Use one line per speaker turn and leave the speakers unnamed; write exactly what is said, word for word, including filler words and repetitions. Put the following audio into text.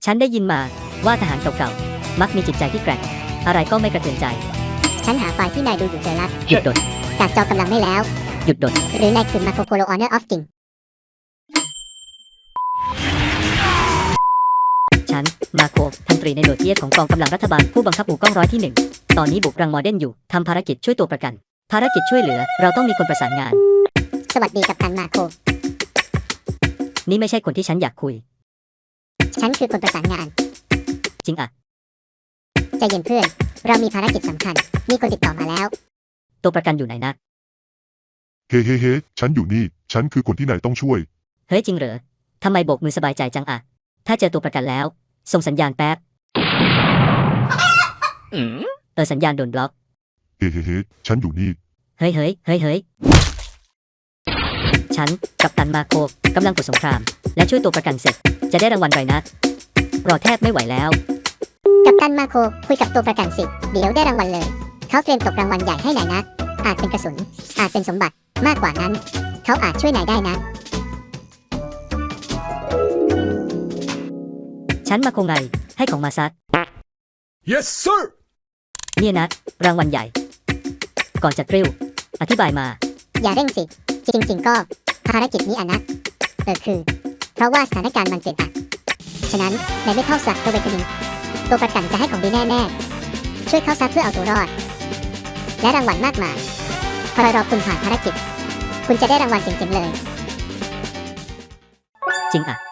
ฉันได้ยินมาว่าทหารเก่าๆมักมีจิตใจที่แกร่งอะไรก็ไม่กระเทือนใจ
ฉันหาไฟล์ที่นายดูอยู่เจอละ
หยุดดด
จากจอกำลังไม่แล้ว
หยุดดด
หรือนายคือมาโคโคโลออเนอร์ออฟจริง
ฉันมาโคพันตรีในหน่วยเทียของกองกำลังรัฐบาลผู้บังคับหมู่กล้องร้อยที่หนึ่งตอนนี้บุกรังมอเดนอยู่ทำภารกิจช่วยตัวประกัน ภารกิจช่วยเหลือเราต้องมีคนประสานงาน
สวัสดีกัปตันมาโค
นี่ไม่ใช่คนที่ฉันอยากคุย
ฉันคือคนประสานงาน
จริงอะ
ใจเย็นเพื่อน เรามีภารกิจสำคัญ มีคนติดต่อมาแล้ว
ตัวประกันอยู่ไหนนะ
เฮ้เฮ้เฮ้ฉันอยู่นี่ ฉันคือคนที่นายต้องช่วย
เฮ้ยจริงเหรอทำไมโบกมือสบายใจจังอะถ้าเจอตัวประกันแล้วส่งสัญญาณแป๊บเออสัญญาณโดนบล็อก
เฮ้เฮ้เฮ้ฉันอยู่นี่
เฮ้ยเฮ้ยเฮ้ยเฮ้ยฉันกัปตันมาโคกำลังกดสงคราม และช่วยตัวประกันเสร็จ จะได้รางวัลไรนะรอแทบไม่ไหวแล้ว
กัปตันมาโคคุยกับตัวประกันสิ เดี๋ยวได้รางวัลเลย เขาเตรียมตกรางวัลใหญ่ให้นายนะ อาจเป็นกระสุน อาจเป็นสมบัติ มากกว่านั้น เขาอาจช่วยนายได้นะ
ฉันมาโคงไงให้ของมาซัด
Yes sir
เนี่ยนะรางวัลใหญ่ ก่อนจะกริ้วอธิบายมา
อย่าเร่งสิ จริงๆก็ภารกิจนี้อะนะเออคือ เพราะว่าสถานการณ์มันเปลี่ยนอะฉะนั้นในไม่เข้าสักตัวเวกนิงตัวประกันจะให้ของดีแน่ๆ ช่วยเข้าซักเพื่อเอาตัวรอด และรางวัลมากมายพอรอคุณผ่านภารกิจ คุณจะได้รางวัลจริงๆเลย
จริงอะ